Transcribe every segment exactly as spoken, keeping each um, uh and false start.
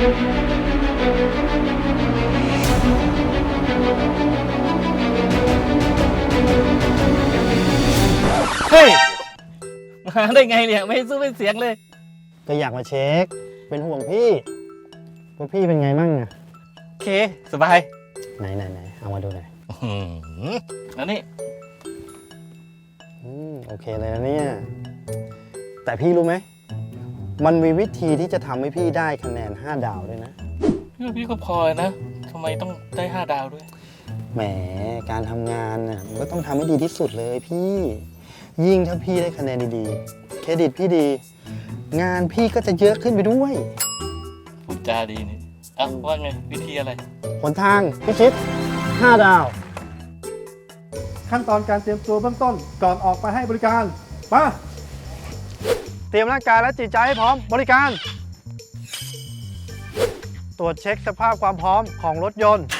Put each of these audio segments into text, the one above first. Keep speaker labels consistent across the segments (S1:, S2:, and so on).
S1: เฮ้ยมาได้ไงเนี่ยไม่สู้ไม่เสียงเลย
S2: ก็อยากมาเช็คเป็นห่วงพี่ว่าพี่เป็นไงมั่งอะ
S1: โอเคสบาย
S2: ไหนไหนไหนเอามาดูหน่อย
S1: แล้วนี่
S2: อืมโอเคเลยนะเนี่ยแต่พี่รู้ไหมมันมีวิธีที่จะทำให้พี่ได้คะแนนห้าดาวด้วยนะ
S1: พี่ก็พอนะทำไมต้องได้ห้าดาวด้วย
S2: แหมการทำงานน่ะมันก็ต้องทำให้ดีที่สุดเลยพี่ยิ่งถ้าพี่ได้คะแนนดีๆเครดิตพี่ดีงานพี่ก็จะเยอะขึ้นไปด้วย
S1: พูดจาดีนี่อ่ะว่าไงวิธีอะไร
S2: หนทางพิชิตห้าดาว
S3: ขั้นตอนการเตรียมตัวเบื้องต้นก่อนออกไปให้บริการมา
S2: เตรียมร่างกายและจิตใจให้พร้อมบริการตรวจเช็คสภาพความพร้อมของรถยนต์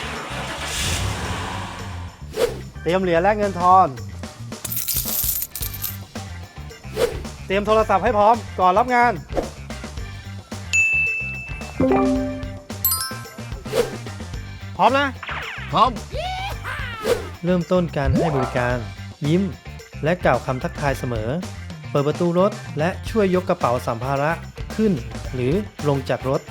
S2: เตรียมเหรียญและเงินทอนเตรียมโทรศัพท์ให้พร้อมก่อนรับงานพร้อมนะ
S1: พร้อม
S2: เริ่มต้นการให้บริการยิ้มและกล่าวคำทักทายเสมอเปิดประตูรถและช่วยยกกระเป๋าสัมภาระขึ้นหรือลงจากรถ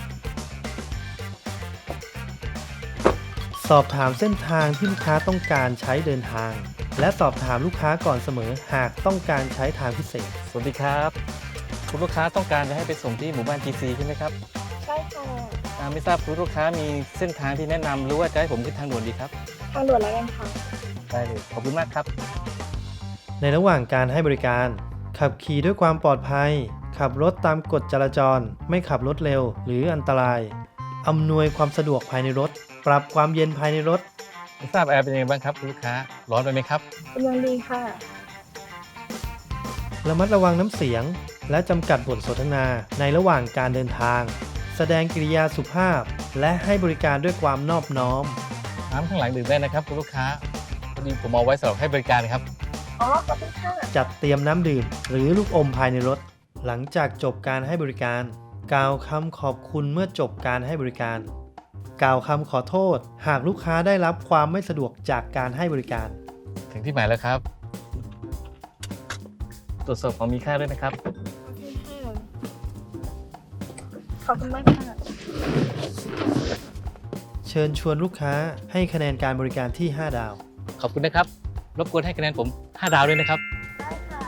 S2: สอบถามเส้นทางที่ลูกค้าต้องการใช้เดินทางและสอบถามลูกค้าก่อนเสมอหากต้องการใช้ทางพิเศษ
S1: สวัสดีครับคุณลูกค้าต้องการจะให้ไปส่งที่หมู่บ้าน จี ซี ใช่ไหมครับ
S4: ใช่ค่ะ
S1: ไม่ทราบคุณลูกค้ามีเส้นทางที่แนะนำหรือว่าจะให้ผมขึ้นทางด่วนดีครับ
S4: ทางด่วนแล้วกันค่ะ
S1: ได้เลยขอบคุณมากครับ
S2: ในระหว่างการให้บริการขับขี่ด้วยความปลอดภัยขับรถตามกฎจราจรไม่ขับรถเร็วหรืออันตรายอำนวยความสะดวกภายในรถปรับความเย็นภายในรถ
S1: ไม่ทราบแอร์เป็นยังไงบ้างครับคุณลูกค้าร้อนไปไหมครับ
S4: กำลังดีค่ะ
S2: ระมัดระวังน้ำเสียงและจำกัดบทสนทนาในระหว่างการเดินทางแสดงกิริยาสุภาพและให้บริการด้วยความนอบน้อม
S1: น้ำข้างหลังดื่มได้นะครับคุณลูกค้าพอดีผมเอาไว้สำหรับให้บริการครับ
S4: อ๋อขอบคุณค่ะ
S2: จัดเตรียมน้ำดื่มหรือลูกอมภายในรถหลังจากจบการให้บริการกล่าวคำขอบคุณเมื่อจบการให้บริการกล่าวคำขอโทษหากลูกค้าได้รับความไม่สะดวกจากการให้บริการ
S1: ถึงที่หมายแล้วครับตรวจสอบของมีค่าด้วยนะครับ
S4: ขอบคุณมากค่ะ
S2: เชิญชวนลูกค้าให้คะแนนการบริการที่ห้าดาว
S1: ขอบคุณนะครับรบกวนให้คะแนนผมห้าดาวด้วยนะครับ
S4: ได้ค่ะ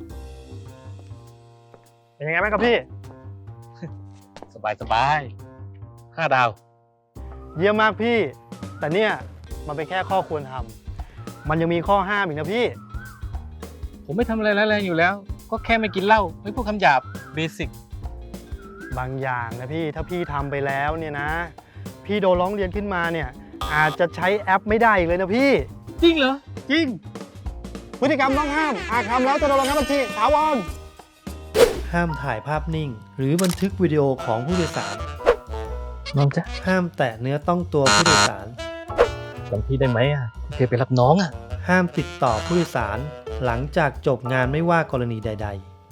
S2: เป็นยังไงบ้างครับพี่
S1: สบายสบายห้าดาว
S2: เยี่ยมมากพี่แต่เนี่ยมันเป็นแค่ข้อควรทำมันยังมีข้อห้ามอีกนะพี่
S1: ผมไม่ทำอะไรแรงๆอยู่แล้วก็แค่ไม่กินเหล้าไม่พูดคำหยาบเบสิก
S2: บางอย่างนะพี่ถ้าพี่ทำไปแล้วเนี่ยนะพี่โดนร้องเรียนขึ้นมาเนี่ยอาจจะใช้แอปไม่ได้อีกเลยนะพี่
S1: จริงเหรอ
S2: จริงพฤติกรรมต้องห้ามหากทำแล้วจะโดนระงับบัญชีถาวรห้ามถ่ายภาพนิ่งหรือบันทึกวิดีโอของผู้โดยสาร
S1: น้องจ๊ะ
S2: ห้ามแตะเนื้อต้องตัวผู้โดยสาร
S1: จำพี่ได้ไหมอ่ะเคยไปรับน้องอ่ะ
S2: ห้ามติดต่อผู้โดยสารหลังจากจบงานไม่ว่ากรณีใด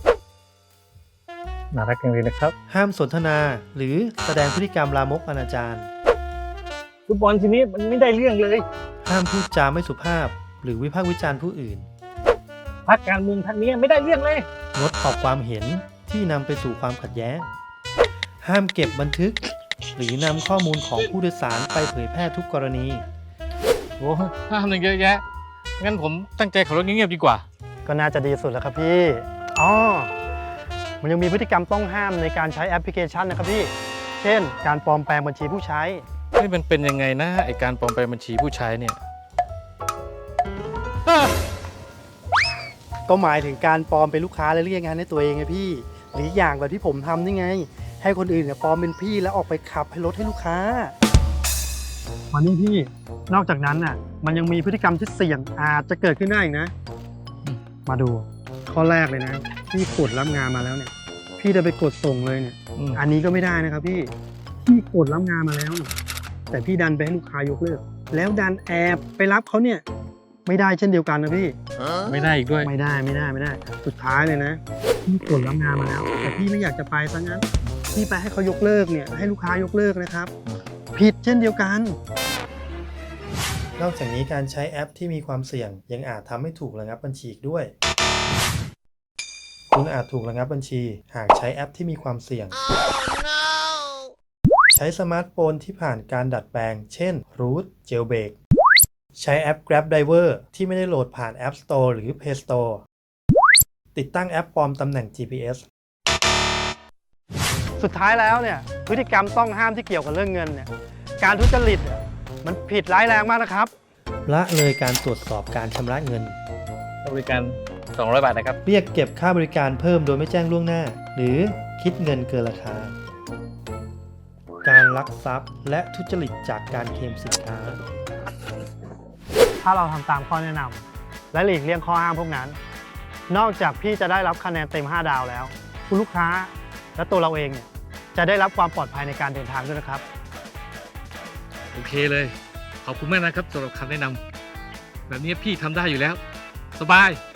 S1: ๆน่ารักจังเลยนะครับ
S2: ห้ามสนทนาหรือแสดงพฤติกรรมลามกอนาจาร
S1: ฟุตบอลทีนี้มันไม่ได้เรื่องเลย
S2: ห้ามพูดจาไม่สุภาพหรือวิพากษ์วิจารณ์ผู้อื่น
S1: พรรคการเมืองท่านนี้ไม่ได้เรื่องเลย
S2: งดออกความเห็นที่นำไปสู่ความขัดแย้งห้ามเก็บบันทึกหรือนำข้อมูลของผู้โดยสารไปเผยแพร่ทุกกรณี
S1: โอ้ห้ามหนึ่งเยอะแยะงั้นผมตั้งใจขับรถเงียบๆดีกว่า
S2: ก็น่าจะดีสุดแล้วครับพี่อ๋อมันยังมีพฤติกรรมต้องห้ามในการใช้แอปพลิเคชันนะครับพี่เช่นการปลอมแปลงบัญชีผู้ใช้
S1: นี่มันเป็นยังไงนะไอการปลอมแปลงบัญชีผู้ใช้เนี่ย
S2: ก็หมายถึงการปลอมเป็นลูกค้าและเรียกงานให้ตัวเองไงพี่หรืออย่างแบบที่ผมทำนี่ไงให้คนอื่นเนี่ยปลอมเป็นพี่แล้วออกไปขับให้รถให้ลูกค้าวันนี้พี่นอกจากนั้นน่ะมันยังมีพฤติกรรมที่เสี่ยงอาจจะเกิดขึ้นได้อีกนะมาดูข้อแรกเลยนะพี่กดรับงานมาแล้วเนี่ยพี่จะไปกดส่งเลยเนี่ยอันนี้ก็ไม่ได้นะครับพี่พี่กดรับงานมาแล้วแต่พี่ดันไปให้ลูกค้ายกเลิกแล้วดันแอบไปรับเขาเนี่ยไม่ได้เช่นเดียวกันนะพี่
S1: ทไม่ได้อีกด้วย
S2: ไม่ได้ไม่ได้ไม่ได้ สุดท้ายเลยนะพี่กดรับงานมาแล้ว แต่พี่ไม่อยากจะไปซะงั้นพี่ไปให้เขายกเลิกเนี่ยให้ลูกค้ายกเลิกนะครับ ผิดเช่นเดียวกัน นอกจากนี้การใช้แอปที่มีความเสี่ยงยังอาจทำให้ถูกระงับบัญชีอีกด้วย คุณอาจถูกระงับบัญชีหากใช้แอปที่มีความเสี่ยง ใช้สมาร์ทโฟนที่ผ่านการดัดแปลง เช่น Root Jailbreak ใช้แอป Grab Driver ที่ไม่ได้โหลดผ่าน App Store หรือ Play Store ติดตั้งแอปปลอมตำแหน่ง จี พี เอส สุดท้ายแล้วเนี่ยพฤติกรรมต้องห้ามที่เกี่ยวกับเรื่องเงินเนี่ยการทุจริตเนี่ยมันผิดร้ายแรงมากนะครับละเลยการตรวจสอบการชำระเงิน
S1: บริการสองร้อยบาทนะครับ
S2: เรียกเก็บค่าบริการเพิ่มโดยไม่แจ้งล่วงหน้า หรือคิดเงินเกินราคา การลักทรัพย์และทุจริตจากการเคลมสินค้า ถ้าเราทำตามข้อแนะนำและหลีกเลี่ยงข้อห้ามพวกนั้น นอกจากพี่จะได้รับคะแนนเต็มห้าดาวแล้ว คุณลูกค้าและตัวเราเองเนี่ยจะได้รับความปลอดภัยในการเดินทางด้วยนะครับ
S1: โอเคเลย ขอบคุณมากนะครับสำหรับคำแนะนำแบบนี้พี่ทำได้อยู่แล้ว สบาย